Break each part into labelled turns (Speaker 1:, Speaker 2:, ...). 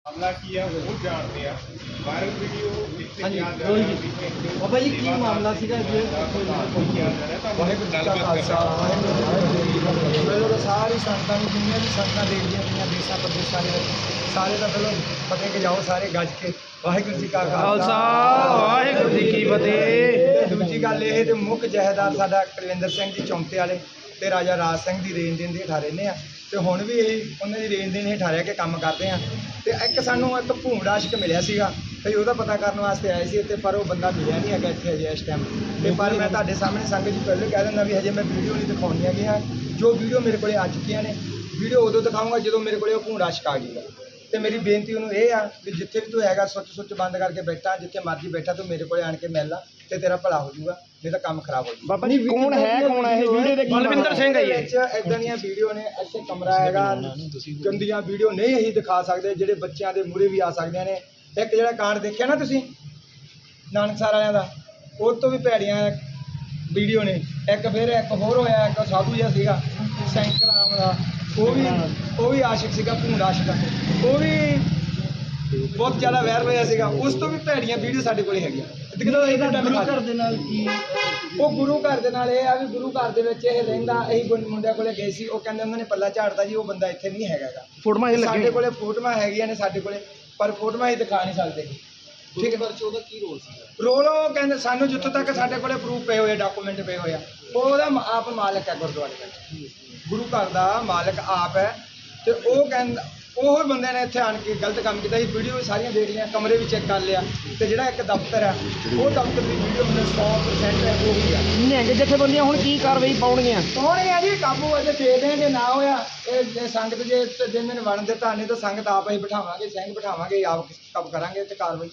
Speaker 1: मामला की है वो जानते हैं वायरल वीडियो कितने क्या
Speaker 2: बाबा जी की मामला सीगा जी
Speaker 3: ਵਾਹਿਗੁਰੂ ਜੀ ਕਾ ਖਾਲਸਾ ਵਾਹਿਗੁਰੂ ਜੀ ਕੀ ਫਤਿਹ। ਪਹਿਲਾਂ ਸਾਰੀ ਸੰਗਤਾਂ ਨੂੰ ਜਿੰਨੀਆਂ ਵੀ ਸੰਗਤਾਂ ਦੇਖਦੀਆਂ ਪਈਆਂ ਦੇਸ਼ਾਂ ਪ੍ਰਦੇਸ਼ਾਂ ਦੇ ਵਿੱਚ ਸਾਰੇ ਦਾ ਪਹਿਲਾਂ ਫਤਿਹ ਕੇ ਜਾਓ ਸਾਰੇ ਗੱਜ ਕੇ ਵਾਹਿਗੁਰੂ ਜੀ ਕਾ ਖਾਲਸਾ
Speaker 2: ਵਾਹਿਗੁਰੂ ਜੀ ਕੀ ਫਤਿਹ।
Speaker 3: ਤੇ ਦੂਜੀ ਗੱਲ ਇਹ ਤੇ ਮੁੱਖ ਜਹੇਦਾਰ ਸਾਡਾ ਕੁਲਵਿੰਦਰ ਸਿੰਘ ਜੀ ਚੌਂਤੇ ਵਾਲੇ ਤੇ ਰਾਜਾ ਰਾਜ ਸਿੰਘ ਦੀ ਰੇਂਜ ਦੇ ਹੇਠਾਂ ਰਹਿੰਦੇ ਆ ਤੇ ਹੁਣ ਵੀ ਇਹ ਉਹਨਾਂ ਦੀ ਰੇਂਜ ਦੇ ਹੇਠਾਂ ਰਹਿ ਕੇ ਕੰਮ ਕਰਦੇ ਆ। ਤੇ ਇੱਕ ਸਾਨੂੰ ਇੱਕ ਭੂੰਡ ਆਸ਼ਕ ਮਿਲਿਆ ਸੀਗਾ ਤੇ ਉਹਦਾ ਪਤਾ ਕਰਨ ਵਾਸਤੇ ਆਏ ਸੀ ਤੇ ਪਰ ਉਹ ਬੰਦਾ ਮਿਲਿਆ ਨਹੀਂ ਹੈਗਾ ਇੱਥੇ ਅਜੇ ਇਸ ਟਾਈਮ। ਤੇ ਪਰ ਮੈਂ ਤੁਹਾਡੇ ਸਾਹਮਣੇ ਸੰਗਤ ਜੀ ਪਹਿਲੇ ਕਹਿ ਦਿੰਦਾ ਵੀ ਹਜੇ ਮੈਂ ਵੀਡੀਓ ਨਹੀਂ ਦਿਖਾਉਣੀ ਹੈਗੀਆਂ। ਜੋ ਵੀਡੀਓ ਮੇਰੇ ਕੋਲੇ ਆ ਚੁੱਕੀਆਂ ਨੇ ਵੀਡੀਓ ਉਦੋਂ ਦਿਖਾਊਂਗਾ ਜਦੋਂ ਮੇਰੇ ਕੋਲੇ ਉਹ ਭੂੰਡ ਆਸ਼ਕ ਆ ਗਈ। ਤੇ ਮੇਰੀ ਬੇਨਤੀ ਉਹਨੂੰ ਇਹ ਆ ਵੀ ਜਿੱਥੇ ਵੀ ਤੂੰ ਹੈਗਾ ਸੁੱਚ ਬੰਦ ਕਰਕੇ ਬੈਠਾ ਜਿੱਥੇ ਮਰਜ਼ੀ ਬੈਠਾ ਤੂੰ ਮੇਰੇ ਕੋਲੇ ਆਣ ਕੇ ਮਿਲ ਲਾ ਤੇ ਤੇਰਾ ਭਲਾ ਹੋ ਜਾਊਗਾ ਨਹੀਂ ਤਾਂ ਕੰਮ ਖਰਾਬ ਹੋ ਜਾਊਗਾ।
Speaker 2: ਬਾਬਾ ਜੀ ਕੌਣ ਹੈ ਇਹ ਵੀਡੀਓ ਦੇ ਬਲਵਿੰਦਰ ਸਿੰਘ ਹੈ ਇਹ।
Speaker 3: ਇਦਾਂ ਦੀਆਂ ਵੀਡੀਓ ਨੇ ਇੱਥੇ ਕਮਰਾ ਹੈਗਾ ਗੰਦੀਆਂ ਵੀਡੀਓ ਨਹੀਂ ਅਸੀਂ ਦਿਖਾ ਸਕਦੇ ਜਿਹੜੇ ਬੱਚਿਆਂ ਦੇ ਮੂਹਰੇ ਵੀ ਆ ਸਕਦੀਆਂ ਨੇ। ਇੱਕ ਜਿਹੜਾ ਕਾਂਡ ਦੇਖਿਆ ਨਾ ਤੁਸੀਂ ਨਾਨਕਸਰ ਵਾਲਿਆਂ ਦਾ ਉਹ ਤੋਂ ਵੀ ਭੈੜੀਆਂ ਵੀਡੀਓ ਨੇ। ਇੱਕ ਫਿਰ ਇੱਕ ਹੋਰ ਹੋਇਆ ਇੱਕ ਸਾਧੂ ਜਿਹਾ ਸੀਗਾ ਸੈਂਕਰ ਨਾਮ ਦਾ ਉਹ ਵੀ ਆਸ਼ਿਕ ਸੀਗਾ ਭੂੰਡ ਆਸ਼ਿਕ ਉਹ ਵੀ ਬਹੁਤ ਜ਼ਿਆਦਾ ਵਾਇਰਲ ਹੋਇਆ ਸੀਗਾ। ਉਸ ਤੋਂ ਵੀ ਭੈੜੀਆਂ ਵੀਡੀਓ ਸਾਡੇ ਕੋਲ ਹੈਗੀਆਂ।
Speaker 2: ਗੁਰੂ ਘਰ ਦੇ ਨਾਲ ਕੀ
Speaker 3: ਉਹ ਗੁਰੂ ਘਰ ਦੇ ਨਾਲ ਇਹ ਆ ਵੀ ਗੁਰੂ ਘਰ ਦੇ ਵਿੱਚ ਇਹ ਰਹਿੰਦਾ ਅਸੀਂ ਮੁੰਡਿਆਂ ਕੋਲੇ ਗਏ ਸੀ ਉਹ ਕਹਿੰਦੇ ਉਹਨਾਂ ਨੇ ਪੱਲਾ ਝਾੜਦਾ ਜੀ ਉਹ ਬੰਦਾ ਇੱਥੇ ਨਹੀਂ ਹੈਗਾ ਗਾ।
Speaker 2: ਫੋਟੋਆਂ ਇਹ
Speaker 3: ਸਾਡੇ ਕੋਲੇ ਫੋਟੋਆਂ ਹੈਗੀਆਂ ਨੇ ਸਾਡੇ ਕੋਲੇ ਪਰ ਫੋਟੋਆਂ ਹੀ ਦਿਖਾ ਨਹੀਂ ਸਕਦੇ।
Speaker 2: ਠੀਕ ਹੈ ਉਹਦਾ ਕੀ ਰੋਲ ਸੀ
Speaker 3: ਰੋਲ ਉਹ ਕਹਿੰਦੇ ਸਾਨੂੰ ਜਿੱਥੋਂ ਤੱਕ ਸਾਡੇ ਕੋਲੇ ਪ੍ਰੂਫ ਪਏ ਹੋਏ ਡਾਕੂਮੈਂਟ ਪਏ ਹੋਏ ਆ ਉਹਦਾ ਆਪ ਮਾਲਕ ਹੈ ਗੁਰਦੁਆਰੇ ਦਾ ਗੁਰੂ ਘਰ ਦਾ ਮਾਲਕ ਆਪ ਹੈ। ਤੇ ਉਹ ਕਹਿੰਦਾ ਉਹ ਬੰਦੇ ਨੇ ਇੱਥੇ ਆਣ ਕੇ ਗਲਤ ਕੰਮ ਕੀਤਾ। ਇਹ ਵੀਡੀਓ ਸਾਰੀਆਂ ਦੇਖ ਲਈਆਂ ਕਮਰੇ ਵੀ ਚੈੱਕ ਕਰ ਲਿਆ ਤੇ ਜਿਹੜਾ ਇੱਕ ਦਫ਼ਤਰ ਹੈ ਉਹ ਦਫ਼ਤਰ ਦੀ ਵੀਡੀਓ ਮੈਨੂੰ 100% ਹੈ ਉਹ ਹੀ ਆ।
Speaker 2: ਨਿਹੰਗ ਜਥੇਬੰਦੀਆਂ ਹੁਣ ਕੀ ਕਾਰਵਾਈ ਪਾਉਣਗੀਆਂ?
Speaker 3: ਪਾਉਣਗੀਆਂ ਜੀ ਕਾਬੂ ਅਜੇ ਦੇਖਦੇ ਹਾਂ ਜੇ ਨਾ ਹੋਇਆ ਇਹ ਸੰਗਤ ਜੇ ਦਿਨ ਵੜਨ ਦਿੱਤਾ ਨਹੀਂ ਤਾਂ ਸੰਗਤ ਆਪ ਅਸੀਂ ਬਿਠਾਵਾਂਗੇ ਸਿੰਘ ਬਿਠਾਵਾਂਗੇ ਆਪ ਕੰਮ ਕਰਾਂਗੇ ਤੇ ਕਾਰਵਾਈ।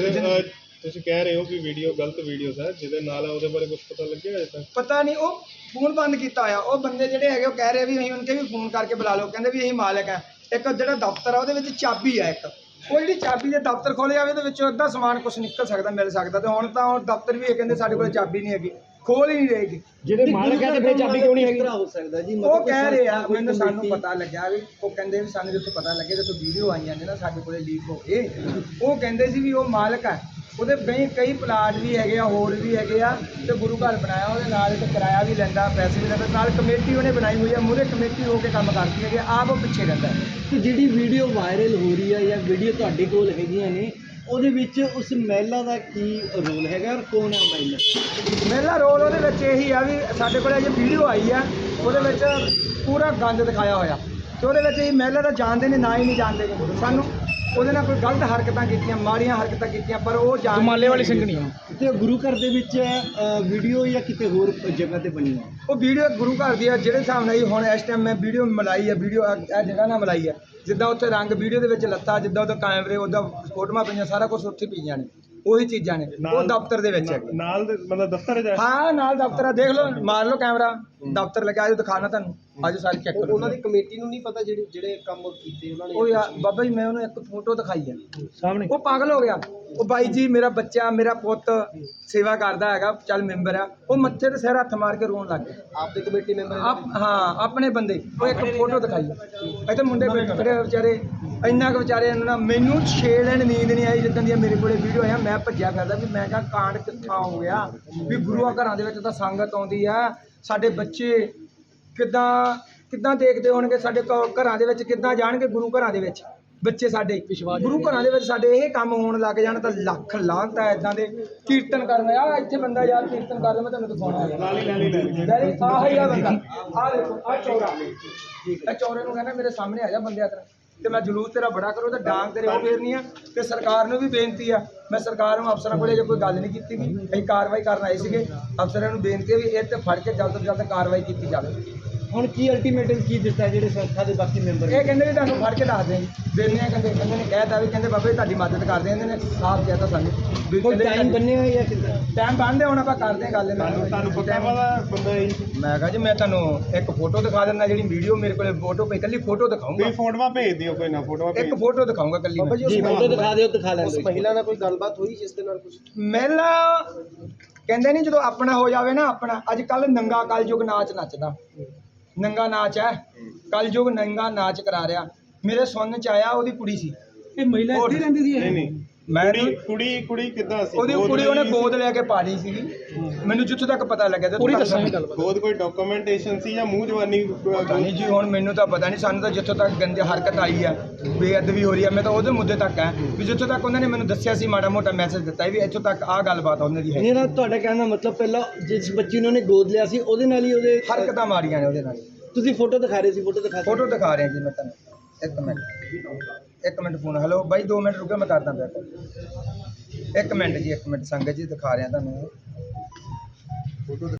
Speaker 1: ਤੁਸੀਂ ਕਹਿ ਰਹੇ ਹੋ ਕਿ ਵੀਡੀਓ ਗਲਤ ਵੀਡੀਓ ਹੈ ਜਿਹਦੇ ਨਾਲ ਉਹਦੇ ਬਾਰੇ ਕੁਝ ਪਤਾ ਲੱਗਿਆ ਅਜੇ ਤੱਕ?
Speaker 3: ਪਤਾ ਨਹੀਂ ਉਹ ਫੋਨ ਬੰਦ ਕੀਤਾ ਹੋਇਆ ਉਹ ਬੰਦੇ ਜਿਹੜੇ ਹੈਗੇ ਉਹ ਕਹਿ ਰਹੇ ਵੀ ਅਸੀਂ ਉਹਨਾਂ ਕੇ ਵੀ ਫੋਨ ਕਰਕੇ ਬੁਲਾ ਲਓ ਕਹਿੰਦੇ ਵੀ ਅਸੀਂ ਮਾਲਕ ਆ। ਇੱਕ ਜਿਹੜਾ ਦਫ਼ਤਰ ਆ ਉਹਦੇ ਵਿੱਚ ਚਾਬੀ ਆ ਇੱਕ ਉਹ ਜਿਹੜੀ ਚਾਬੀ ਦੇ ਦਫ਼ਤਰ ਖੋਲ੍ਹਿਆ ਜਾਵੇ ਉਹਦੇ ਵਿੱਚੋਂ ਅੱਧਾ ਸਮਾਨ ਕੁਛ ਨਿਕਲ ਸਕਦਾ ਮਿਲ ਸਕਦਾ ਤੇ ਹੁਣ ਤਾਂ ਉਹ ਦਫ਼ਤਰ ਵੀ ਇਹ ਕਹਿੰਦੇ ਸਾਡੇ ਕੋਲ ਚਾਬੀ ਨਹੀਂ ਹੈਗੀ ਖੋਲ ਹੀ ਨਹੀਂ ਰਹੇਗੀ।
Speaker 2: ਜਿਹੜੇ ਮਾਲਕ ਹੈ ਤੇ ਫਿਰ ਚਾਬੀ ਕਿਉਂ ਨਹੀਂ ਹੈਗੀ?
Speaker 3: ਹੋ ਸਕਦਾ ਜੀ ਉਹ ਕਹਿ ਰਹੇ ਆ ਮੈਨੂੰ ਸਾਨੂੰ ਪਤਾ ਲੱਗਿਆ ਵੀ ਉਹ ਕਹਿੰਦੇ ਵੀ ਸਾਨੂੰ ਜਿੱਥੋਂ ਪਤਾ ਲੱਗਿਆ ਜਦੋਂ ਵੀਡੀਓ ਆਈਆਂ ਨੇ ਨਾ ਸਾਡੇ ਕੋਲੇ ਲੀਕ ਹੋ ਕੇ ਉਹ ਕਹਿੰਦੇ ਸੀ ਵੀ ਉਹ ਮਾਲਕ ਆ ਉਹਦੇ ਕਈ ਪਲਾਟ ਵੀ ਹੈਗੇ ਆ ਹੋਰ ਵੀ ਹੈਗੇ ਆ ਤੇ ਗੁਰੂ ਘਰ ਬਣਾਇਆ ਉਹਦੇ ਨਾਲ ਤੇ ਕਿਰਾਇਆ ਵੀ ਲੈਂਦਾ ਪੈਸੇ ਵੀ ਲੈਂਦਾ ਨਾਲ ਕਮੇਟੀ ਉਹਨੇ ਬਣਾਈ ਹੋਈ ਆ ਮੂਹਰੇ ਕਮੇਟੀ ਹੋ ਕੇ ਕੰਮ ਕਰਦੀ ਹੈਗੀ ਆਪ ਉਹ ਪਿੱਛੇ ਰਹਿੰਦਾ।
Speaker 2: ਤੇ ਜਿਹੜੀ ਵੀਡੀਓ ਵਾਇਰਲ ਹੋ ਰਹੀ ਹੈ ਜਾਂ ਵੀਡੀਓ ਤੁਹਾਡੇ ਕੋਲ ਹੈਗੀਆਂ ਨੇ ਉਹਦੇ ਵਿੱਚ ਉਸ ਮਹਿਲਾ ਦਾ ਕੀ ਰੋਲ ਹੈਗਾ ਔਰ ਕੌਣ ਹੈ ਮਹਿਲਾ?
Speaker 3: ਮੇਰਾ ਰੋਲ ਉਹਦੇ ਵਿੱਚ ਇਹੀ ਆ ਵੀ ਸਾਡੇ ਕੋਲ ਅਜੇ ਵੀਡੀਓ ਆਈ ਆ ਉਹਦੇ ਵਿੱਚ ਪੂਰਾ ਗੰਦ ਦਿਖਾਇਆ ਹੋਇਆ ਤੇ ਉਹਦੇ ਵਿੱਚ ਇਹ ਮਹਿਲਾ ਦਾ ਜਾਣਦੇ ਨੇ ਨਾ ਹੀ ਨਹੀਂ ਜਾਣਦੇ ਨੇ ਸਾਨੂੰ ਉਹਦੇ ਨਾਲ ਕੋਈ ਗਲਤ ਹਰਕਤਾਂ ਕੀਤੀਆਂ ਮਾੜੀਆਂ ਹਰਕਤਾਂ ਕੀਤੀਆਂ ਪਰ ਉਹ
Speaker 2: ਮਾਲੇ ਵਾਲੀ ਸਿੰਘਣੀ ਤੇ ਗੁਰੂ ਘਰ ਦੇ ਵਿੱਚ ਵੀਡੀਓ ਜਾਂ ਕਿਤੇ ਹੋਰ ਜਗ੍ਹਾ ਤੇ ਬਣੀ ਹੈ
Speaker 3: ਉਹ ਵੀਡੀਓ ਗੁਰੂ ਘਰ ਦੀ ਆ ਜਿਹੜੇ ਹਿਸਾਬ ਨਾਲ ਹੁਣ ਇਸ ਟਾਈਮ ਮੈਂ ਵੀਡੀਓ ਮਲਾਈ ਆ ਵੀਡੀਓ ਇਹ ਜਗ੍ਹਾ ਨਾਲ ਮਲਾਈ ਆ ਜਿੱਦਾਂ ਉੱਥੇ ਰੰਗ ਵੀਡੀਓ ਦੇ ਵਿੱਚ ਲੱਤਾ ਜਿੱਦਾਂ ਉਹਦਾ ਕੈਮਰੇ ਉਹਦਾ ਫੋਟੋਆਂ ਪਈਆਂ ਸਾਰਾ ਕੁਝ ਉੱਥੇ ਪਈਆਂ ਨੇ ਉਹੀ ਚੀਜ਼ਾਂ ਨੇ ਉਹ ਦਫ਼ਤਰ ਦੇ ਵਿੱਚ ਹੈਗੇ
Speaker 1: ਨਾਲ ਮਤਲਬ ਦਫ਼ਤਰ ਹੈ
Speaker 3: ਹਾਂ ਨਾਲ ਦਫ਼ਤਰ ਆ ਦੇਖ ਲਓ ਮਾਰ ਲਓ ਕੈਮਰਾ ਦਫ਼ਤਰ ਲੱਗਿਆ ਆਜੋ ਦਿਖਾਣਾ ਤੁਹਾਨੂੰ ਆਜੋ ਸਾਰੇ ਚੈੱਕ ਕਰੋ।
Speaker 2: ਉਹਨਾਂ ਦੀ ਕਮੇਟੀ ਨੂੰ ਨਹੀਂ ਪਤਾ ਜਿਹੜੇ ਕੰਮ ਕੀਤੇ ਉਹਨਾਂ ਨੇ?
Speaker 3: ਉਹ ਯਾਰ ਬਾਬਾ ਜੀ ਮੈਂ ਉਹਨੂੰ ਇੱਕ ਫੋਟੋ ਦਿਖਾਈ ਆ
Speaker 2: ਸਾਹਮਣੇ
Speaker 3: ਉਹ ਪਾਗਲ ਹੋ ਗਿਆ ਉਹ ਬਾਈ ਜੀ ਮੇਰਾ ਬੱਚਾ ਮੇਰਾ ਪੁੱਤ ਸੇਵਾ ਕਰਦਾ ਹੈਗਾ ਚੱਲ ਮੈਂਬਰ ਆ ਉਹ ਮੱਥੇ ਤੇ ਸਿਰ ਹੱਥ ਮਾਰ ਕੇ ਰੋਣ ਲੱਗ ਗਿਆ।
Speaker 2: ਆਪਦੇ ਕਮੇਟੀ ਮੈਂਬਰ
Speaker 3: ਹਾਂ ਆਪਣੇ ਬੰਦੇ ਉਹ ਇੱਕ ਫੋਟੋ ਦਿਖਾਈ ਆ ਇੱਥੇ ਮੁੰਡੇ ਬੈਠੇ ਵਿਚਾਰੇ ਇੰਨਾ ਕੁ ਵਿਚਾਰੇ ਇਹਨਾਂ ਮੈਨੂੰ 6 ਦਿਨ ਨੀਂਦ ਨਹੀਂ ਆਈ ਜਿੱਦਾਂ ਦੀਆਂ ਮੇਰੇ ਕੋਲੇ ਵੀਡੀਓ ਆਇਆ ਮੈਂ ਭੱਜਿਆ ਫਿਰਦਾ ਵੀ ਮੈਂ ਕਿਹਾ ਕਾਂਡ ਕਿੱਥਾਂ ਹੋ ਗਿਆ ਵੀ ਗੁਰੂਆਂ ਘਰਾਂ ਦੇ ਵਿੱਚ ਤਾਂ ਸੰਗਤ ਆਉਂਦੀ ਆ ਸਾਡੇ ਬੱਚੇ ਕਿੱਦਾਂ ਦੇਖਦੇ ਹੋਣਗੇ ਸਾਡੇ ਘਰਾਂ ਦੇ ਵਿੱਚ ਕਿੱਦਾਂ ਜਾਣਗੇ ਗੁਰੂ ਘਰਾਂ ਦੇ ਵਿੱਚ ਬੱਚੇ ਸਾਡੇ ਗੁਰੂ ਘਰਾਂ ਦੇ ਵਿੱਚ ਸਾਡੇ ਇਹ ਕੰਮ ਹੋਣ ਲੱਗ ਜਾਣ ਤਾਂ ਲੱਖ ਲਾਹਨਤ ਹੈ ਇਦਾਂ ਦੇ ਕੀਰਤਨ ਕਰਨ ਆ ਇੱਥੇ ਬੰਦਾ ਯਾਰ ਕੀਰਤਨ ਕਰਦਾ ਮੈਂ ਤੁਹਾਨੂੰ ਦਿਖਾਉਣਾ ਆਹ ਹੀ ਆ ਬੰਦਾ ਆਹ ਦੇਖੋ ਆਹ ਚੌਰਾ ਇਹ ਚੌਰੇ ਨੂੰ ਕਹਿੰਦਾ ਮੇਰੇ ਸਾਹਮਣੇ ਆ ਜਾ ਬੰਦਿਆ ਤੇਰਾ ਤੇ ਮੈਂ ਜਲੂਸ ਤੇਰਾ ਬੜਾ ਕਰੋ ਤੇ ਡਾਂਗ ਤੇਰੇ ਉਹ ਫੇਰਨੀ ਆ ਤੇ ਸਰਕਾਰ ਨੂੰ ਵੀ ਬੇਨਤੀ ਆ ਮੈਂ ਸਰਕਾਰ ਨੂੰ ਅਫਸਰਾਂ ਕੋਲੇ ਜੇ ਕੋਈ ਗੱਲ ਨਹੀਂ ਕੀਤੀ ਗਈ ਅਸੀਂ ਕਾਰਵਾਈ ਕਰਨ ਆਏ ਸੀਗੇ ਅਫਸਰਾਂ ਨੂੰ ਬੇਨਤੀ ਹੈ ਵੀ ਇਹ ਤੇ ਫੜ ਕੇ ਜਲਦ ਤੋਂ ਜਲਦ ਕਾਰਵਾਈ ਕੀਤੀ ਜਾਵੇ।
Speaker 2: ਹੁਣ ਕੀ ਅਲਟੀਮੇਟਮ ਕੀ ਦਿੱਤਾ ਜਿਹੜੇ ਸੰਸਥਾ ਦੇ ਬਾਕੀ ਮੈਂਬਰ
Speaker 3: ਇਹ ਕਹਿੰਦੇ ਵੀ ਤੁਹਾਨੂੰ ਫੜ ਕੇ ਦੱਸ ਦੇ ਦਿੰਦੇ ਆ ਕਹਿੰਦੇ ਨੇ ਕਹਿਤਾ ਵੀ ਕਹਿੰਦੇ ਬਾਬਾ ਜੀ ਤੁਹਾਡੀ ਮਦਦ ਕਰਦੇ ਆ ਇਹਨਾਂ ਨੇ ਸਾਫ਼ ਕਹਿਤਾ ਸਾਨੂੰ ਵੀ
Speaker 2: ਟਾਈਮ ਬੰਨਿਆ ਜਾਂ ਕਿੱਦਾਂ
Speaker 3: ਟਾਈਮ ਬੰਨਦੇ ਹੁਣ ਆਪਾਂ ਕਰਦੇ ਗੱਲ
Speaker 1: ਤੁਹਾਨੂੰ ਪਤਾ ਵਾਲਾ ਬੰਦਾ
Speaker 3: ਮੈਂ ਕਹਾਂ ਜੀ ਮੈਂ ਤੁਹਾਨੂੰ ਇੱਕ ਫੋਟੋ ਦਿਖਾ ਦਿੰਦਾ ਜਿਹੜੀ ਵੀਡੀਓ ਮੇਰੇ ਕੋਲੇ ਫੋਟੋ ਪਈ ਕੱਲੀ ਫੋਟੋ ਦਿਖਾਉਂਗਾ
Speaker 1: ਕੋਈ ਫੋਟੋਆਂ ਭੇਜ ਦਿਓ ਕੋਈ ਨਾ ਫੋਟੋਆਂ
Speaker 3: ਇੱਕ ਫੋਟੋ ਦਿਖਾਉਂਗਾ ਕੱਲੀ
Speaker 2: ਜੀ ਫੋਟੋ ਦਿਖਾ ਦਿਓ ਦਿਖਾ ਲੈਂਦੇ ਉਸ ਮਹਿਲਾ ਨਾਲ ਕੋਈ ਗੱਲਬਾਤ ਹੋਈ ਜਿਸ ਦੇ ਨਾਲ ਕੁਝ
Speaker 3: ਮਹਿਲਾ ਕਹਿੰਦੇ ਨਹੀਂ ਜਦੋਂ ਆਪਣਾ ਹੋ ਜਾਵੇ ਨਾ ਆਪਣਾ ਅੱਜ ਕੱਲ ਨੰਗਾ ਕਲਯੁਗ ਨਾਚ ਨੱਚਦਾ ਨੰਗਾ ਨਾਚ ਹੈ ਕਲਯੁਗ ਨੰਗਾ ਨਾਚ ਕਰਾ ਰਿਹਾ ਮੇਰੇ ਸੁਣਨ ਚ ਆਇਆ ਉਹਦੀ ਕੁੜੀ ਸੀ
Speaker 2: ਇਹ ਮਹਿਲਾ ਇੱਥੇ ਰਹਿੰਦੀ ਸੀ
Speaker 1: ਨਹੀਂ ਨਹੀਂ
Speaker 3: ਮੈਂ
Speaker 1: ਕੁੜੀ ਕਿੱਦਾਂ ਸੀ
Speaker 3: ਉਹਦੀ ਕੁੜੀ ਉਹਨੇ ਗੋਦ ਲੈ ਕੇ ਪਾ ਲਈ ਸੀਗੀ ਮੈਨੂੰ ਜਿੱਥੋਂ ਤੱਕ ਪਤਾ ਲੱਗਿਆ ਤੇ ਪੂਰੀ ਦੱਸਾਂਗੇ ਗੱਲ
Speaker 1: ਗੋਦ ਕੋਈ ਡਾਕੂਮੈਂਟੇਸ਼ਨ ਸੀ ਜਾਂ ਮੂੰਹ ਜਵਾਨੀ
Speaker 3: ਪਤਾ ਨਹੀਂ ਜੀ ਹੁਣ ਮੈਨੂੰ ਤਾਂ ਪਤਾ ਨਹੀਂ ਸਾਨੂੰ ਤਾਂ ਜਿੱਥੋਂ ਤੱਕ ਗੰਦੀ ਹਰਕਤ ਆਈ ਹੈ ਬੇਅਦਬੀ ਹੋ ਰਹੀ ਹੈ ਮੈਂ ਤਾਂ ਉਹਦੇ ਮੁੱਦੇ ਤੱਕ ਹੈ ਵੀ ਜਿੱਥੋਂ ਤੱਕ ਉਹਨਾਂ ਨੇ ਮੈਨੂੰ ਦੱਸਿਆ ਸੀ ਮਾੜਾ ਮੋਟਾ ਮੈਸੇਜ ਦਿੱਤਾ ਵੀ ਇੱਥੋਂ ਤੱਕ ਆਹ ਗੱਲਬਾਤ ਉਹਨਾਂ ਦੀ ਹੈ
Speaker 2: ਨਹੀਂ ਨਾ ਤੁਹਾਡਾ ਕਹਿਣ ਦਾ ਮਤਲਬ ਪਹਿਲਾਂ ਜਿਸ ਬੱਚੀ ਨੂੰ ਉਹਨੇ ਗੋਦ ਲਿਆ ਸੀ ਉਹਦੇ ਨਾਲ ਹੀ ਉਹਦੇ
Speaker 3: ਹਰਕਤਾਂ ਮਾਰੀਆਂ ਨੇ ਉਹਦੇ ਨਾਲ
Speaker 2: ਤੁਸੀਂ ਫੋਟੋ ਦਿਖਾ ਰਹੇ ਸੀ
Speaker 3: ਫੋਟੋ ਦਿਖਾ ਰਿਹਾ ਜੀ ਮੈਂ ਤੁਹਾਨੂੰ ਇੱਕ ਮਿੰਟ ਫੋਨ ਹੈਲੋ ਬਾਈ 2 ਮਿੰਟ ਰੁਕੋ ਮੈਂ ਕਰਦਾ ਪਿਆ call। ਇੱਕ ਮਿੰਟ ਸੰਗਤ ਜੀ ਦਿਖਾ ਰਿਹਾ ਤੁਹਾਨੂੰ ਫੋਟੋ